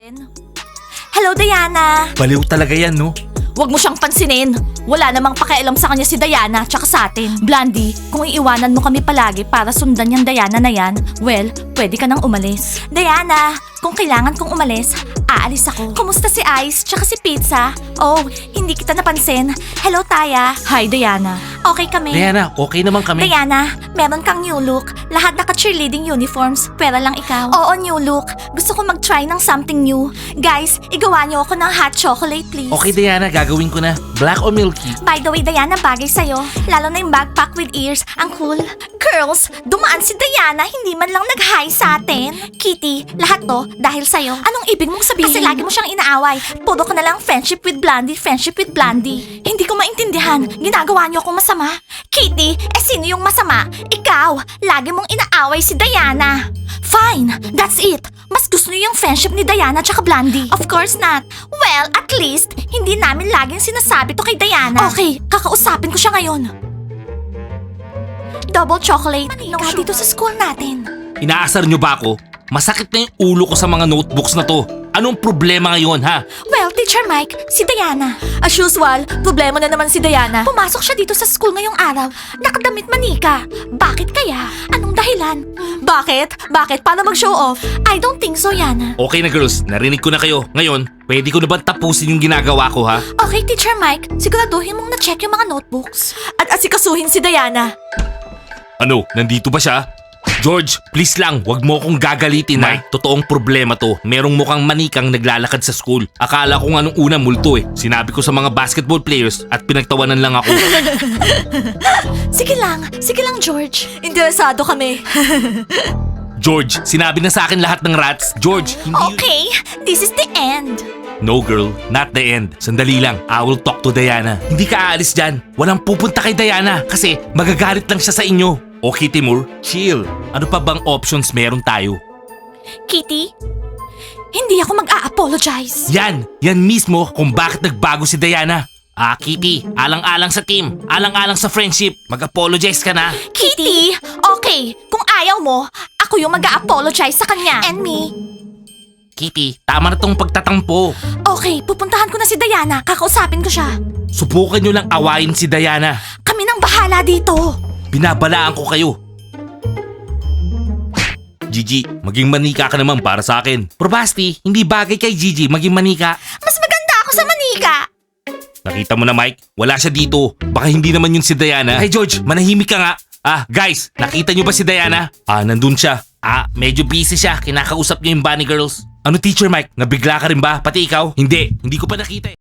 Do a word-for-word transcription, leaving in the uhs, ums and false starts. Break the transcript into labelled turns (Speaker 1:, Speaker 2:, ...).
Speaker 1: Hello, Diana!
Speaker 2: Baliw talaga yan, no?
Speaker 1: Huwag mo siyang pansinin. Wala namang pakialam sa kanya si Diana tsaka sa atin. Blondie, kung iiwanan mo kami palagi para sundan yung Diana na yan, well, pwede ka nang umalis. Diana, kung kailangan kong umalis, aalis ako. Kumusta si Ice tsaka si Pizza? Oh, hindi kita napansin. Hello, Taya. Hi, Diana. Okay kami.
Speaker 2: Diana, okay naman kami.
Speaker 1: Diana, meron kang new look. Lahat naka-cheerleading uniforms, pera lang ikaw. Oo, new look. Gusto ko mag-try ng something new. Guys, igawa niyo ako ng hot chocolate, please.
Speaker 2: Okay, Diana, gagawin ko na. Black o milky?
Speaker 1: By the way, Diana, bagay sa'yo. Lalo na yung backpack with ears. Ang cool. Girls, dumaan si Diana, hindi man lang nag-hi sa atin. Kitty, lahat to dahil sa'yo. Anong ibig mong sabihin? Kasi lagi mo siyang inaaway. Puro ka na lang friendship with Blondie, friendship with Blondie. Hindi ko maintindihan. Ginagawa niyo akong masama. Kitty, eh sino yung masama? Ikaw, lagi mong inaaway si Diana. Fine, that's it. Mas gusto niyo yung friendship ni Diana tsaka Blondie. Of course not. Well, at least, hindi namin laging sinasabi to kay Diana. Okay, kakausapin ko siya ngayon. Double chocolate. Ka dito sa school natin.
Speaker 2: Inaasar nyo ba ako? Masakit na yung ulo ko sa mga notebooks na to. Anong problema ngayon, ha?
Speaker 1: Well, Teacher Mike, si Diana. As usual, problema na naman si Diana. Pumasok siya dito sa school ngayong araw. Nakadamit manika. Bakit kaya? Anong dahilan? Bakit? Bakit? Paano mag-show off? I don't think so, Yana.
Speaker 2: Okay na girls, narinig ko na kayo. Ngayon, pwede ko na ba tapusin yung ginagawa ko, ha?
Speaker 1: Okay, Teacher Mike. Siguraduhin mong na-check yung mga notebooks. At asikasuhin si Diana.
Speaker 2: Ano, nandito ba siya? George, please lang, wag mo akong gagalitin na. Totoong problema to. Merong mukhang manikang naglalakad sa school. Akala ko nga nung una multo eh. Sinabi ko sa mga basketball players at pinagtawanan lang ako.
Speaker 1: Sige lang. Sige lang, George. Interesado kami.
Speaker 2: George, sinabi na sa akin lahat ng rats. George, hindi yun-
Speaker 1: Okay, this is the end.
Speaker 2: No girl, not the end. Sandali lang, I will talk to Diana. Hindi ka aalis dyan. Walang pupunta kay Diana kasi magagalit lang siya sa inyo. Okay, Timur, chill. Ano pa bang options meron tayo?
Speaker 1: Kitty, hindi ako mag-a-apologize.
Speaker 2: Yan, yan mismo kung bakit nagbago si Diana. Ah, Kitty, alang-alang sa team, alang-alang sa friendship. Mag-apologize ka na.
Speaker 1: Kitty, okay. Kung ayaw mo, ako yung mag-a-apologize sa kanya. And me.
Speaker 2: Kitty, tama na tong pagtatampo.
Speaker 1: Okay, pupuntahan ko na si Diana. Kakausapin ko siya.
Speaker 2: Subukan nyo lang awayin si Diana.
Speaker 1: Kami nang bahala dito.
Speaker 2: Binabalaan ko kayo. Gigi, maging manika ka naman para sa akin. Probasti, hindi bagay kay Gigi maging manika.
Speaker 1: Mas maganda ako sa manika.
Speaker 2: Nakita mo na Mike, wala siya dito. Baka hindi naman yun si Diana. Hey George, manahimik ka nga. Ah, guys, nakita nyo ba si Diana? Ah, nandun siya. Ah, medyo busy siya. Kinakausap niya yung bunny girls. Ano Teacher Mike, nabigla ka rin ba? Pati ikaw? Hindi, hindi ko pa nakita eh.